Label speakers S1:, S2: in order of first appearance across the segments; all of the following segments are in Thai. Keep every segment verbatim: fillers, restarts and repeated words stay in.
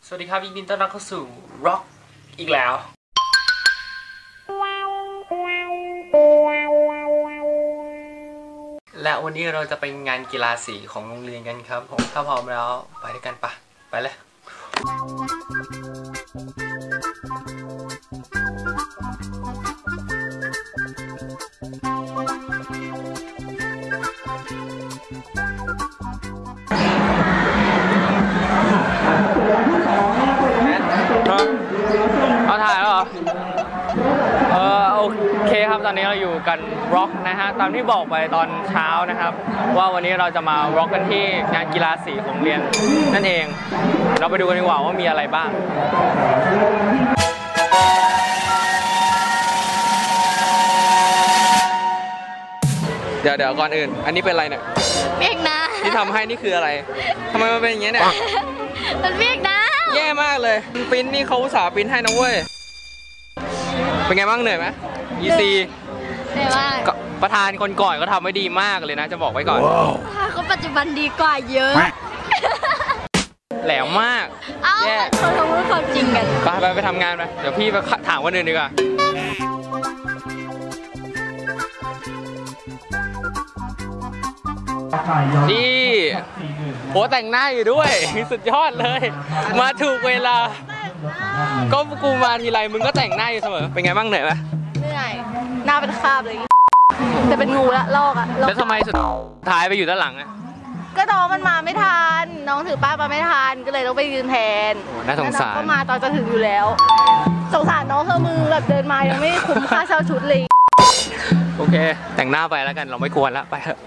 S1: สวัสดีครับยินดีต้อนรับเข้าสู่ Rock อีกแล้วและวันนี้เราจะไปงานกีฬาสีของโรงเรียนกันครับผมถ้าพร้อมแล้วไปด้วยกันปะไปเลยเอาถ่ายแล้วเหรอเออโอเคครับตอนนี้เราอยู่กันร็อกนะฮะตามที่บอกไปตอนเช้านะครับว่าวันนี้เราจะมาร็อกกันที่งานกีฬาสีของโรงเรียนนั่นเองเราไปดูกันดีกว่าว่ามีอะไรบ้างเดี๋ยวเดี๋ยวก่อนอื่นอันนี้เป็นอะไรเนี่ย
S2: เมฆนะ
S1: ที่ทำให้นี่คืออะไรทำไมมันเป็นอย่างเงี้ยเนี่ย
S2: มันเมฆนะ
S1: แย่มากเลยปิ้นนี่เขาอุตส่าห์ปิ้นให้นะเว้ยเป็นไงบ้างเหนื่อยไหมอีซี
S2: เหนื่อยมาก
S1: ประธานคนก่อนก็ทำไว้ดีมากเลยนะจะบอกไว้ก่อน
S2: ประธานคนปัจจุบันดีกว่าเยอะ
S1: แหลมมาก
S2: แย่เขาทำรู้ความจริงกัน
S1: ไปไปไปทำงานไปเดี๋ยวพี่ไปถามคนอื่นดีกว่านี่โหแต่งหน้าอยู่ด้วยสุดยอดเลยมาถูกเวลาก็กูมาทีไรมึงก็แต่งหน้าอยู่เสมอเป็นไงบ้างเหนื่อยไหม
S2: เหนื่อยหน้าเป็นคราบเลยแต่เป็นงูละลอกอะ
S1: แล้วทำไมสุดท้ายไปอยู่ด้านหลังอะ
S2: ก็น้องมันมาไม่ทันน้องถือป้ายมาไม่ทันก็เลยต้องไปยืนแทน
S1: น่าสงสาร
S2: ก็มาตอนจะถึงอยู่แล้วสงสารน้องเธอมือแบบเดินมายังไม่คุ้มค่าเช่าชุดเลย
S1: โอเคแต่งหน้าไปแล้วกันเราไม่ควรละไปเถอะ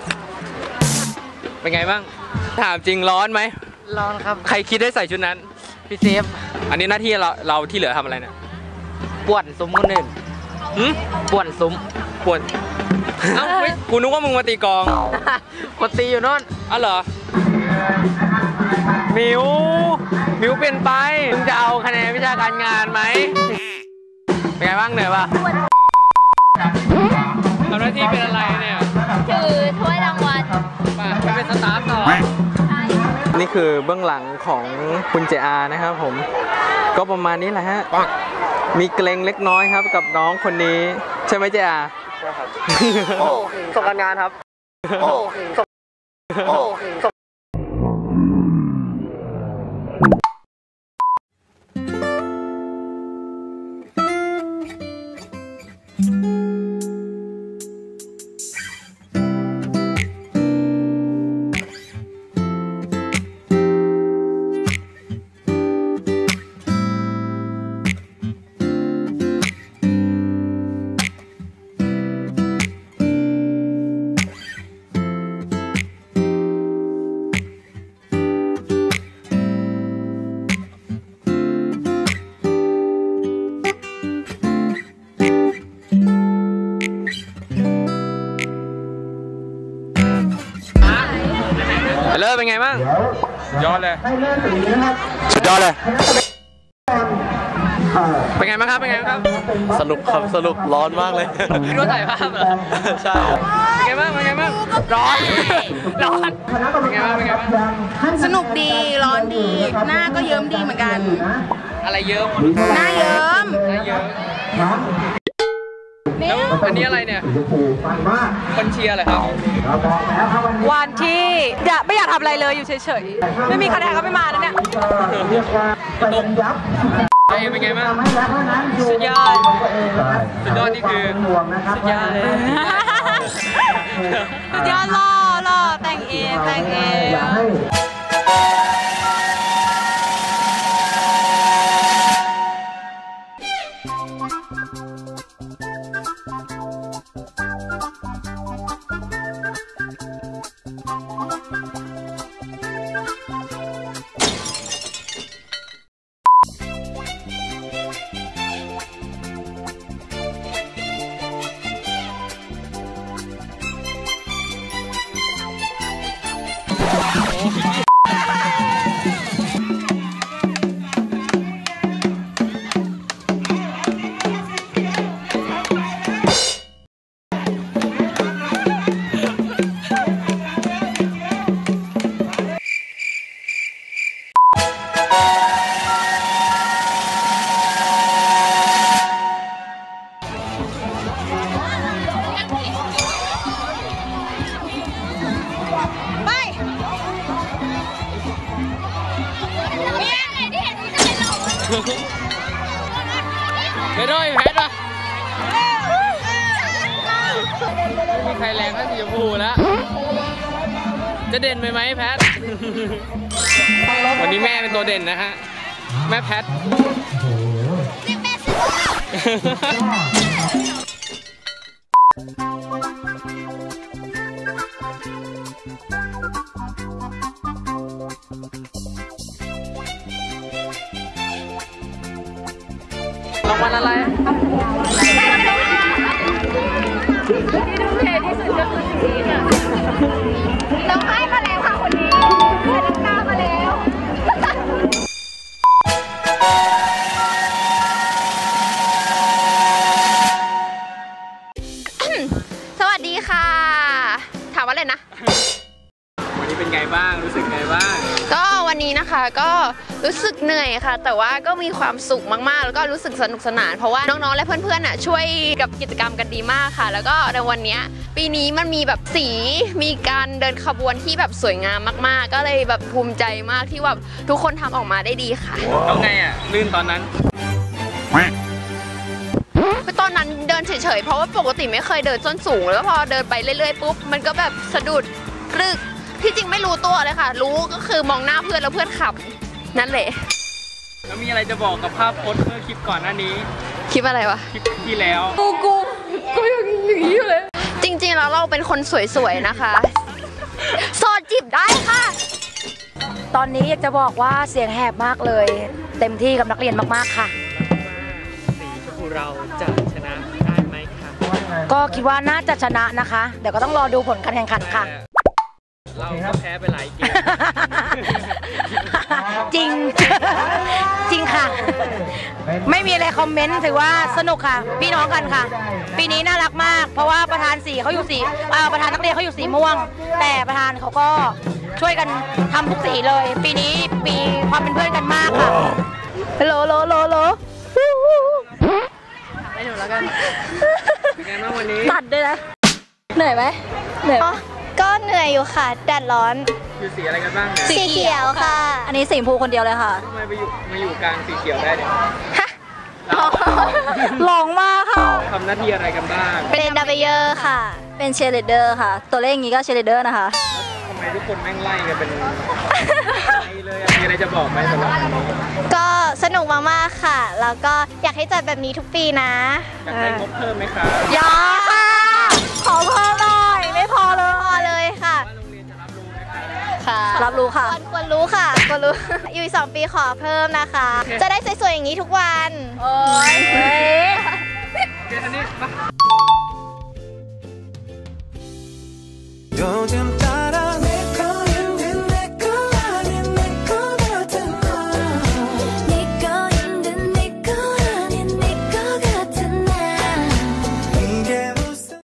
S1: เป็นไงบ้างถามจริงร้อนไหม
S2: ร้อนครับ
S1: ใครคิดได้ใส่ชุดนั้น
S2: พี่เซฟ
S1: อันนี้หน้าที่เราเราที่เหลือทำอะไรเนี่ย
S2: ป่วนซุ้มคนอื่นป่วนซุ้ม
S1: ป่วนเอ้ากูนึกว่ามึงมาตีกอง
S2: กูตีอยู่นู่น
S1: อ๋อเหรอมิวมิวเปลี่ยนไปมึงจะเอาคะแนนวิชาการงานไหมเป็นไงบ้างเหนื่อยปะทำหน้าที่เป็นอะไรเนี่ย
S2: ถือถ้วยรางวัล
S1: ไปเป็นสตาฟต่อนี่คือเบื้องหลังของคุณเจอานะครับผมก็ประมาณนี้แหละฮะมีเกรงเล็กน้อยครับกับน้องคนนี้ใช่ไหมเจอาใช่ครับโอ้ส่งการงานครับโอ้ส่งโอ้ส่งเลิศเป็นไงบ้างยอดเลยสุดยอดเลยเป็นไงบ้างครับเป็นไงบ้างครับ
S3: สนุกครับสนุกร้อนมากเลย
S1: พี่รู้ถ่ายภาพเหรอใช่เป็นไงบ้างเป็นไงบ้างร้อนร้อนเป็นไงบ้างเป็นไงบ้าง
S2: สนุกดีร้อนดีหน้าก็เยิ้มดีเหมือนกัน
S1: อะไรเยิ้ม
S2: หน้าเยิ้ม
S1: หน้าเยิ้มแล้วอันนี้อะไรเนี่ยคนเชียร์อะไรครับ
S2: วันที่อยากไม่อยากทำอะไรเลยอยู่เฉยๆไม่มีคะแนนก็ไม่มาแล้วเนี่ย
S1: ตกไอ้เป็นไงบ้างสุดยอดสุดยอดนี่คือสุดยอดเลย
S2: สุดยอดหล่อหล่อแต่งเองแต่งเอง
S1: ไปด้วยแพทย์วะไม่มีใครแรงเท่าสีชมพูแล้วจะเด่นไปไหมแพทย์วันนี้แม่เป็นตัวเด่นนะฮะแม่แพทย์รางวัลอะไรที่ทุ่มเทที่สุดก็คือสิ่งนี้ค่ะเราให้มาแล้วค่ะคนนี้เดินหน้ามาแล้ว
S4: สวัสดีค่ะถามว่าอะไรนะ
S1: วันนี้เป็นไงบ้างรู้สึกไงบ้าง
S4: ก็วันนี้นะคะก็รู้สึกเหนื่อยค่ะแต่ว่าก็มีความสุขมากๆแล้วก็รู้สึกสนุกสนานเพราะว่าน้องๆและเพื่อนๆอ่ะช่วยกับกิจกรรมกันดีมากค่ะแล้วก็ในวันนี้ปีนี้มันมีแบบสีมีการเดินขบวนที่แบบสวยงามมากๆก็เลยแบบภูมิใจมากที่แบบทุกคนทำออกมาได้ดีค่ะ
S1: แล้วไงอ่ะลื่นตอนนั้น
S4: ตอนนั้นเดินเฉยๆเพราะว่าปกติไม่เคยเดินส้นสูงแล้วพอเดินไปเรื่อยๆปุ๊บมันก็แบบสะดุดรึกที่จริงไม่รู้ตัวเลยค่ะรู้ก็คือมองหน้าเพื่อนแล้วเพื่อนขับนั่นแหละ
S1: แล้วมีอะไรจะบอกกับภาพโพสเมื่อคลิปก่อนหน้านี้
S4: คลิปอะไรวะ
S1: คลิปที่แล้ว
S4: กูกูกูยังหนีอยู่เลยจริงๆแล้วเราเป็นคนสวยๆนะคะโสดจีบได้ค่ะ
S2: ตอนนี้อยากจะบอกว่าเสียงแหบมากเลยเต็มที่กับนักเรียนมากๆค่ะ
S1: สีชมพูเราจะชนะได้ไหมคะ
S2: ก็คิดว่าน่าจะชนะนะคะเดี๋ยวก็ต้องรอดูผลการแข่งขันค่ะ
S1: เราก็แพ้ไปหลายเกม
S2: จริงจริงค่ะไม่มีอะไรคอมเมนต์ถือว่าสนุกค่ะพี่น้องกันค่ะปีนี้น่ารักมากเพราะว่าประธานสีเขาอยู่สีประธานนักเรียนเขาอยู่สีม่วงแต่ประธานเขาก็ช่วยกันทำทุกสีเลยปีนี้มีความเป็นเพื่อนกันมากค่ะโลโลโลโล
S4: ให้หนูแล้วกัน
S1: เป็นไงบ้างวันนี้
S2: ตัดด้วยนะเหนื่อยไหมเหนื่อย
S4: ก็เหนื่อยอยู่ค่ะแดดร้อน
S1: อยู่สีอะไรกันบ้าง
S4: สีเขียวค่ะ
S2: อันนี้สีชมพูคนเดียวเลยค่ะ
S1: ทำไมไปอยู่มาอยู่กลางสีเขียวได้เนี่ย
S2: หลงมากค่ะ
S1: ทำหน้าที่อะไรกันบ้าง
S4: เป็นดับเบิลเยอร์ค่ะ
S2: เป็นเชียร์ลีดเดอร์ค่ะตัวเลขอย่างนี้ก็เชียร์ลีดเดอร์นะคะ
S1: ทำไมทุกคนแม่งไล่กันเป็นไล่เลยมีอะไรจะบอกไหมสำหรับวันนี้
S4: ก็สนุกมากๆค่ะแล้วก็อยากให้จัดแบบนี้ทุกปีนะ
S1: อยากได้งบเพิ่มไหมคะ
S4: อยากค่ะขอเพิ่มหน่อยไม่พอเลยพอเลยค่ะ
S1: ว่าโรงเรียนจะรับรู้ไหมคะ
S4: ค่ะ
S2: รับรู้ค่ะ
S4: ควรรู้ค่ะควรรู้อยู่อีกสองปีขอเพิ่มนะคะจะได้สวยๆอย่างนี้ทุกวัน
S2: โอ้ยเฮ้ย
S1: เดี๋ยวนี้มา